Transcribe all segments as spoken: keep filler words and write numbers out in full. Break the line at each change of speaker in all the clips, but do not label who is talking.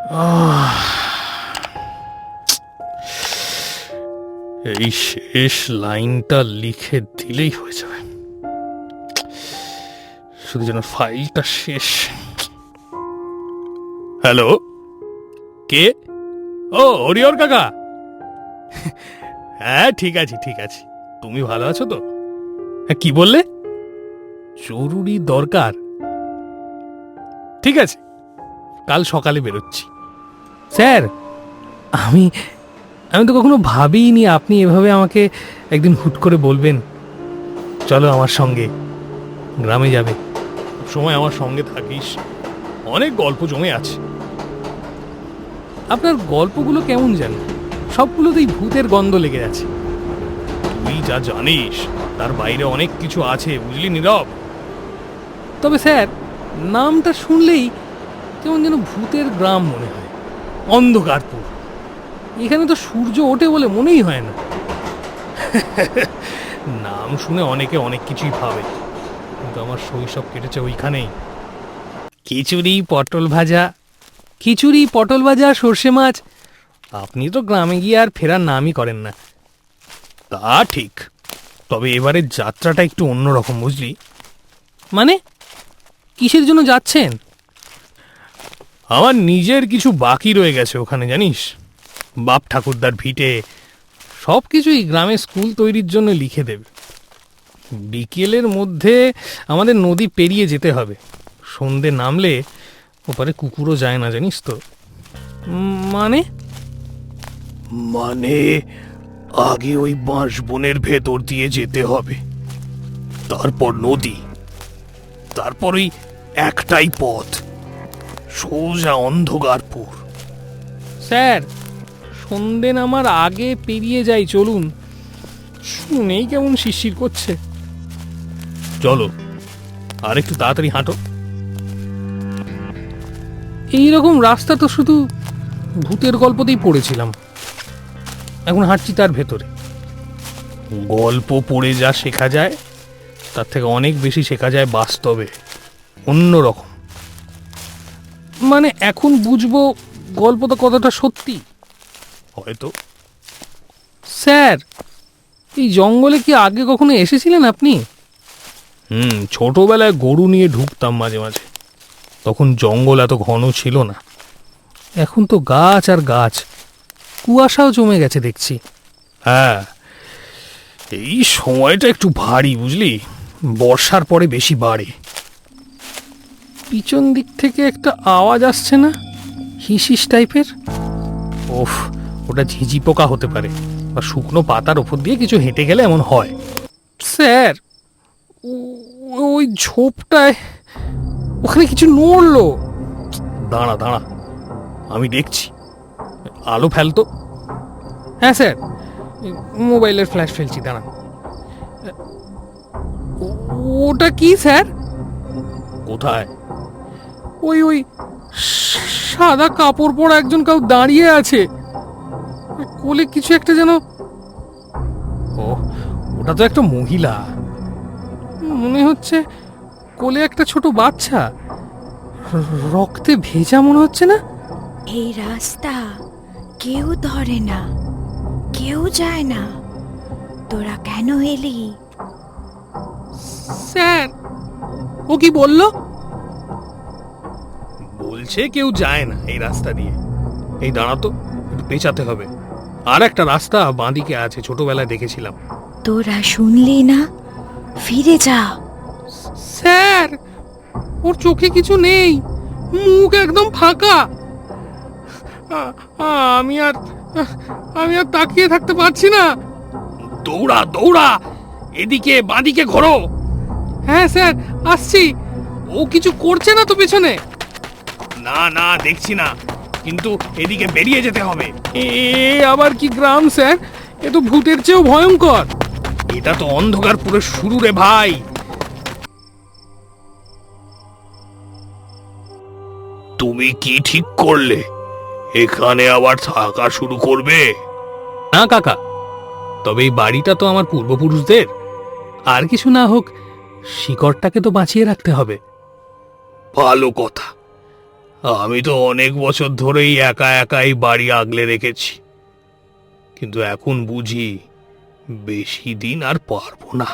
আহ, এই শেষ লাইনটা লিখে দিলেই হয়ে যাবে, শুধু যেন ফাইলটা শেষ। হ্যালো, কে? ও হরিহর কাকা। হ্যাঁ ঠিক আছে ঠিক আছে, তুমি ভালো আছো তো? হ্যাঁ কি বললে? জরুরি দরকার, ঠিক আছে কাল সকালে বেরোচ্ছি। স্যার আমি আমি তো কখনো ভাবিনি আপনি এভাবে আমাকে একদিন হুট করে বলবেন চলো আমার সঙ্গে গ্রামে যাবে। সময় আমার সঙ্গে থাকিস, অনেক গল্প জমে আছে। আপনার গল্পগুলো কেমন জানি সবগুলোতেই ভূতের গন্ধ লেগে আছে। তুই যা জানিস তার বাইরে অনেক কিছু আছে, বুঝলি নীরব। তবে স্যার নামটা শুনলেই কেমন যেন ভূতের গ্রাম মনে হয়, অন্ধকারপুর। এখানে তো সূর্য ওঠে বলে মনেই হয় না। নাম শুনে অনেকে অনেক কিছুই ভাবে, কিন্তু আমার শৈশব কেটেছে ওইখানেই। খিচুড়ি পটল ভাজা, খিচুড়ি পটল ভাজা সর্ষে মাছ। আপনি তো গ্রামে গিয়ে আর ফেরার নামই করেন না। তা ঠিক, তবে এবারের যাত্রাটা একটু অন্যরকম, বুঝলি। মানে কিসের জন্য যাচ্ছেন? আমার নিজের কিছু বাকি রয়ে গেছে ওখানে, জানিস। বাপ ঠাকুরদার ভিটে সব কিছুই গ্রামে স্কুল তৈরির জন্য লিখে দেবে। বিকেলের মধ্যে আমাদের নদী পেরিয়ে যেতে হবে, সন্ধে নামলে ওপারে কুকুরও যায় না, জানিস তো। মানে মানে আগে ওই বাঁশ বনের ভেতর দিয়ে যেতে হবে, তারপর নদী, তারপর ওই একটাই পথ, সোজা অন্ধকারপুর। স্যার সন্ধে নামার আগে পেরিয়ে যাই, চলুন। শুনেই কেমন শিরশির করছে। চলো আর একটু তাড়াতাড়ি হাঁটো। এইরকম রাস্তা তো শুধু ভূতের গল্পতেই পড়েছিলাম, এখন হাঁটছি তার ভেতরে। গল্প পড়ে যা শেখা যায় তার থেকে অনেক বেশি শেখা যায় বাস্তবে, অন্যরকম। মানে এখন বুঝবো গল্পটা কতটা সত্যি হয়তো। স্যার এই জঙ্গলে কি আগে কখনো এসেছিলেন আপনি? হুম, ছোটবেলায় গরু নিয়ে ঢুকতাম মাঝে মাঝে, তখন জঙ্গল এত ঘন ছিল না। এখন তো গাছ আর গাছ, কুয়াশাও জমে গেছে দেখছি। হ্যাঁ এই সময়টা একটু ভারী, বুঝলি, বর্ষার পরে বেশি বাড়ে। পিছন দিক থেকে একটা আওয়াজ আসছে না, হিসিস টাইপের? ওফ, ওটা ঝিঝি পোকা হতে পারে, বা শুকনো পাতার ওপর দিয়ে কিছু হেঁটে গেলে এমন হয়। স্যার ওই ঝোপটায় ওখানে কিছু নড়লো। দাঁড়া দাঁড়া আমি দেখছি, আলো ফেলতো। হ্যাঁ স্যার, মোবাইলের ফ্ল্যাশ ফেলছি, দাঁড়া। ওটা কি স্যার? কোথায়? ওই ওই সাদা কাপড় পরা একজন কাউ দাঁড়িয়ে আছে, কোলে কিছু একটা যেন। ও ওটা তো একটা মহিলা মনে হচ্ছে, কোলে একটা ছোট বাচ্চা, রক্তে ভেজা মনে হচ্ছে না?
এই রাস্তা কেউ ধরে না, কেউ যায় না, তোরা কেন এলি?
স্যার ও কি বলল? বলছে কেউ যায় না এই রাস্তা দিয়ে। এই দাঁড়াতো, একটু পেঁচাতে হবে। আর একটা রাস্তা বাঁদিকে আছে, ছোটবেলায় দেখেছিলাম।
তোরা শুনলি না, ফিরে যা।
স্যার ওর চোখে কিছু নেই, মুখ একদম ফাঁকা। আমি আর আমি আর তাকিয়ে থাকতে পারছি না। দৌড়া দৌড়া, এদিকে বাঁদিকে ঘোরো। হ্যাঁ স্যার আসছি। ও কিছু করছে না তো পেছনে? না না দেখছি না, কিন্তু এদিকে বেরিয়ে যেতে হবে। এ আবার কি গ্রাম স্যার, এ তো ভূতের চেয়েও ভয়ঙ্কর। এটা তো অন্ধকারপুরের শুরু রে ভাই। তুমি কি ঠিক করলে এখানে আবার থাকা শুরু করবে? না কাকা, তবে এই বাড়িটা তো আমার পূর্বপুরুষদের, আর কিছু না হোক শিকড়টাকে তো বাঁচিয়ে রাখতে হবে। ভালো কথা, আমি তো অনেক বছর ধরেই একা একাই বাড়ি আগলে রেখেছি, কিন্তু এখন বুঝি বেশি দিন আর পারবো না।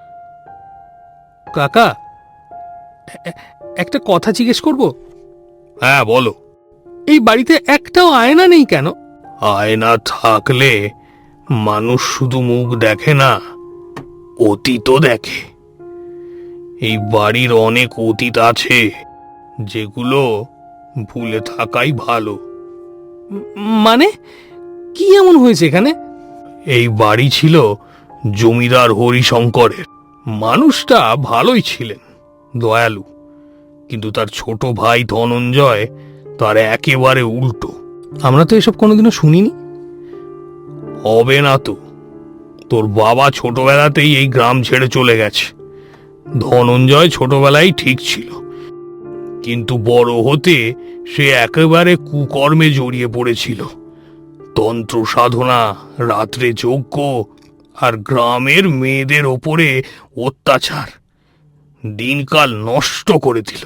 কাকা, এ- একটা কথা জিজ্ঞেস করব? হ্যাঁ, বলো। এই বাড়িতে একটাও আয়না নেই কেন? আয়না থাকলে মানুষ শুধু মুখ দেখে না, অতীতও দেখে। এই বাড়ির অনেক অতীত আছে যেগুলো ভুলে থাকাই ভালো। মানে কি এমন হয়েছে এখানে? এই বাড়ি ছিল জমিদার হরিশঙ্করের। মানুষটা ভালোই ছিলেন, দয়ালু, কিন্তু তার ছোট ভাই ধনঞ্জয় তার একেবারে উল্টো। আমরা তো এসব কোনোদিনও শুনিনি। হবে না তো, তোর বাবা ছোটবেলাতেই এই গ্রাম ছেড়ে চলে গেছে। ধনঞ্জয় ছোটবেলায় ঠিক ছিল, কিন্তু বড় হতে সে একেবারে কুকর্মে জড়িয়ে পড়েছিল। তন্ত্র সাধনা, রাত্রে যজ্ঞ, আর গ্রামের মেয়েদের ওপরে অত্যাচার দিনকাল নষ্ট করে দিল।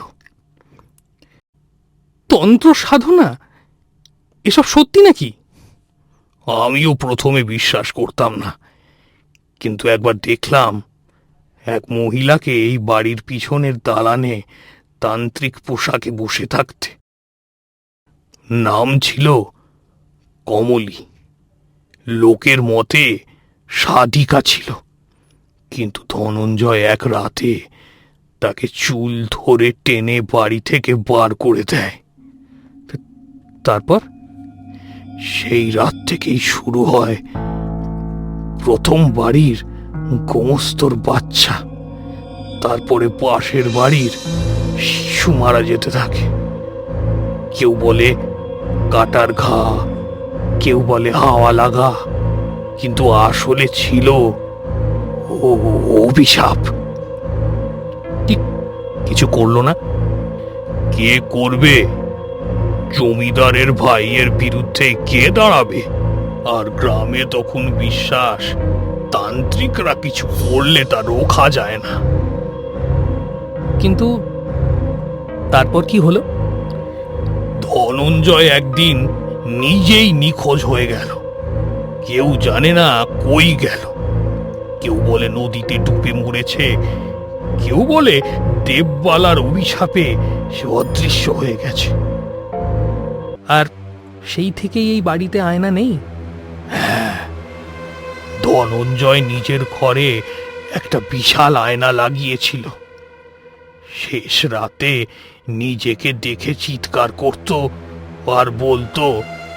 তন্ত্র সাধনা এসব সত্যি নাকি? আমিও প্রথমে বিশ্বাস করতাম না, কিন্তু একবার দেখলাম এক মহিলাকে এই বাড়ির পিছনের দালানে তান্ত্রিক পোশাকে বসে থাকতে। নাম ছিল কমলী। লোকের মতে সাধিকা ছিল, কিন্তু ধনঞ্জয় এক রাতে তাকে চুল ধরে টেনে বাড়ি থেকে বার করে দেয়। তারপর সেই রাত থেকেই শুরু হয় প্রথম বাড়ির গোমস্তর বাচ্চা, তারপরে পাশের বাড়ির শিশু মারা যেতে থাকে। কেউ বলে কাটার ঘা, কেউ বলে হাওয়া লাগা, কিন্তু আসলে ছিল ও অভিশাপ। ঠিক কিছু করলো না? কে করবে? জমিদারের ভাইয়ের বিরুদ্ধে কে দাঁড়াবে? আর গ্রামে তখন বিশ্বাস তান্ত্রিকরা কিছু করলে তা রোখা যায় না। কিন্তু তারপর কি হলো? ধনঞ্জয় একদিন নিজেই নিখোঁজ হয়ে গেল। কেউ জানে না কই গেল। কেউ বলে নদীতে ডুবে মরেছে, কেউ বলে দেববালার অভিশাপে সে অদৃশ্য হয়ে গেছে। আর সেই থেকেই এই বাড়িতে আয়না নেই। হ্যাঁ, ধনঞ্জয় নিজের ঘরে একটা বিশাল আয়না লাগিয়েছিল। শেষ রাতে নিজেকে দেখে চিৎকার করত আর বলতো,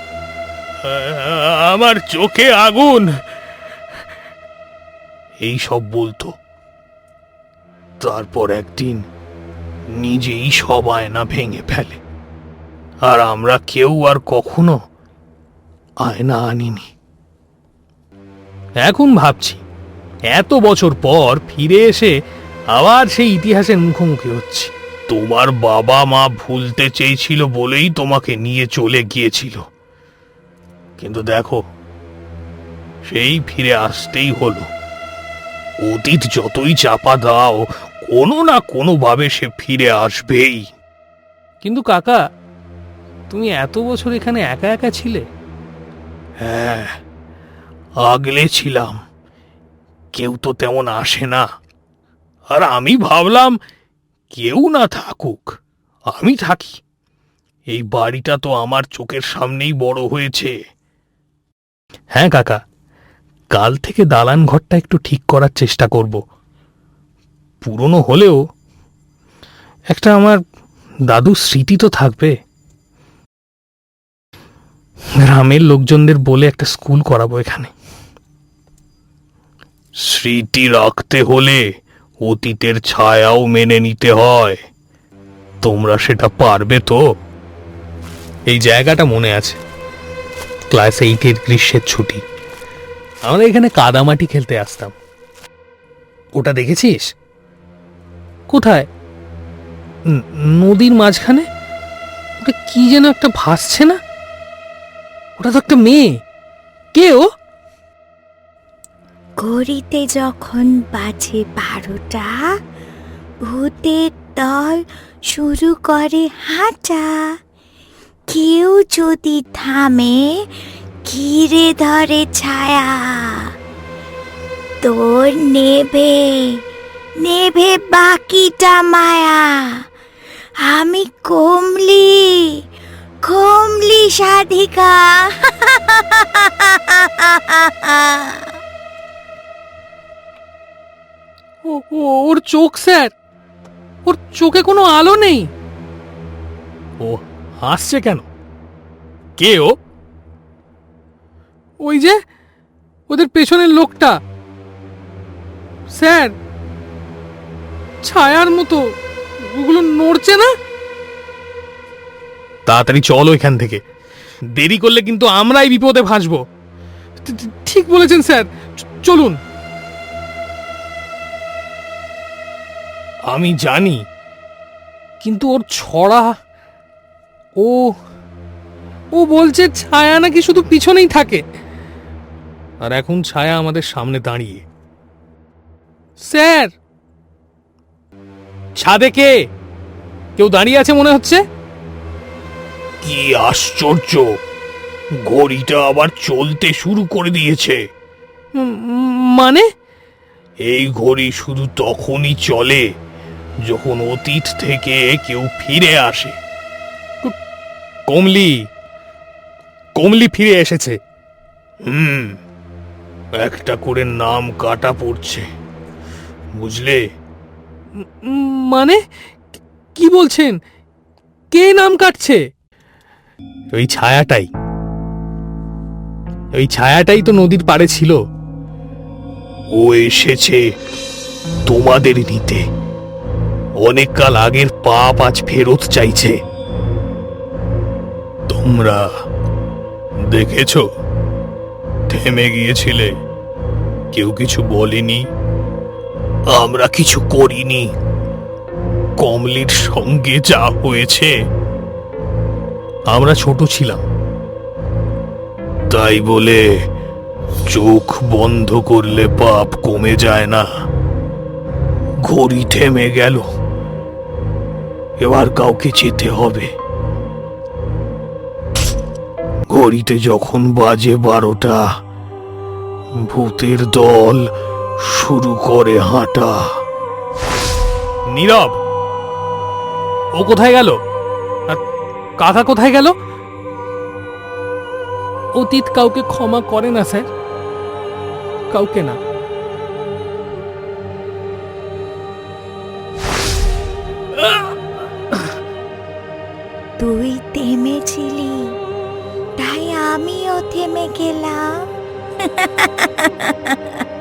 আমার চোখে আগুন, এই সব বলতো। তারপর একদিন নিজেই সব আয়না ভেঙে ফেলে, আর আমরা কেউ আর কখনো আয়না আনিনি। এখন ভাবছি, এত বছর পর ফিরে এসে আবার সেই ইতিহাসের মুখোমুখি হচ্ছে। তোমার বাবা মা ভুলতে চেয়েছিল বলেই তোমাকে নিয়ে চলে গিয়েছিল, কিন্তু দেখো সেই ফিরে আসতেই হলো। অতীত যতই চাপা দাও, কোনো না কোনো ভাবে সে ফিরে আসবেই। কিন্তু কাকা, তুমি এত বছর এখানে একা একা ছিলে? হ্যাঁ, আগলে ছিলাম। কেউ তো তেমন আসে না। আর আমি ভাবলাম কেউ না থাকুক, আমি থাকি। এই বাড়িটা তো আমার চোখের সামনেই বড় হয়েছে। হ্যাঁ কাকা, কাল থেকে দালান ঘরটা একটু ঠিক করার চেষ্টা করব। পুরনো হলেও একটা আমার দাদুর স্মৃতি তো থাকবে। গ্রামের লোকজনদের বলে একটা স্কুল করাবো এখানে। স্মৃতি রাখতে হলে অতীতের ছায়াও মেনে নিতে হয়। তোমরা সেটা পারবে তো? এই জায়গাটা মনে আছে, ক্লাস এইটের গ্রীষ্মের ছুটি আমরা এখানে কাদামাটি খেলতে আসতাম। ওটা দেখেছিস? কোথায়? ন- নদীর মাঝখানে ওটা কি যেন একটা ভাসছে না? ওটা তো একটা মেয়ে। কে ও?
ঘড়িতে যখন বাজে বারোটা, ভূতের দল শুরু করে হাঁটা। কেউ যদি থামে ঘিরে ধরে ছায়া, তোর নেভে নেভে বাকিটা মায়া। আমি কমলি, কমলি সাধিকা।
ও- ও- ওর চোখ স্যার, ওর চোখে কোনো আলো নেই। ও হাসছে কেন? কে ও? ওই যে ওদের পেছনের লোকটা স্যার, ছায়ার মতো ওগুলো নড়ছে না। তাড়াতাড়ি চলো এখান থেকে, দেরি করলে কিন্তু আমরাই বিপদে ভাসবো। ঠি- ঠি- ঠিক বলেছেন স্যার, চ- চলুন। আমি জানি, কিন্তু ওর ছড়া, ও ও বলছে ছায়া নাকি শুধু পিছনেই থাকে, আর এখন ছায়া আমাদের সামনে দাঁড়িয়ে। স্যার, ছাদে কে? কেউ দাঁড়িয়ে আছে মনে হচ্ছে।
কি আশ্চর্য, ঘড়িটা আবার চলতে শুরু করে দিয়েছে।
উম, উম, মানে
এই ঘড়ি শুধু তখনই চলে যখন অতীত থেকে কেউ ফিরে আসে।
কমলি, কমলি ফিরে এসেছে।
হুম, একটা করে নাম কাটা পড়ছে, বুঝলে?
উম, মানে কি বলছেন? কে নাম কাটছে? ওই ছায়াটাই, ওই ছায়াটাই তো নদীর পাড়ে ছিল।
ও এসেছে তোমাদের নিতে, অনেক কাল আগের পাপ আজ ফেরত চাইছে। তোমরা দেখেছো, থেমে গিয়েছিলে, কেউ কিছু বলেনি, আমরা কিছু করিনি। কমলির সঙ্গে যা হয়েছে,
আমরা ছোট ছিলাম,
তাই বলে চোখ বন্ধ করলে পাপ কমে যায় না। ঘড়ি থেমে গেল, এবার কাউকে যেতে হবে। ঘড়িতে যখন বাজে বারোটা, ভূতের দল শুরু করে হাঁটা।
নীরব, ও কোথায় গেল? আর কাকা কোথায় গেল? অতীত কাউকে ক্ষমা করে না স্যার, কাউকে না।
তুই থেমেছিলি, তাই আমিও থেমে গেলাম।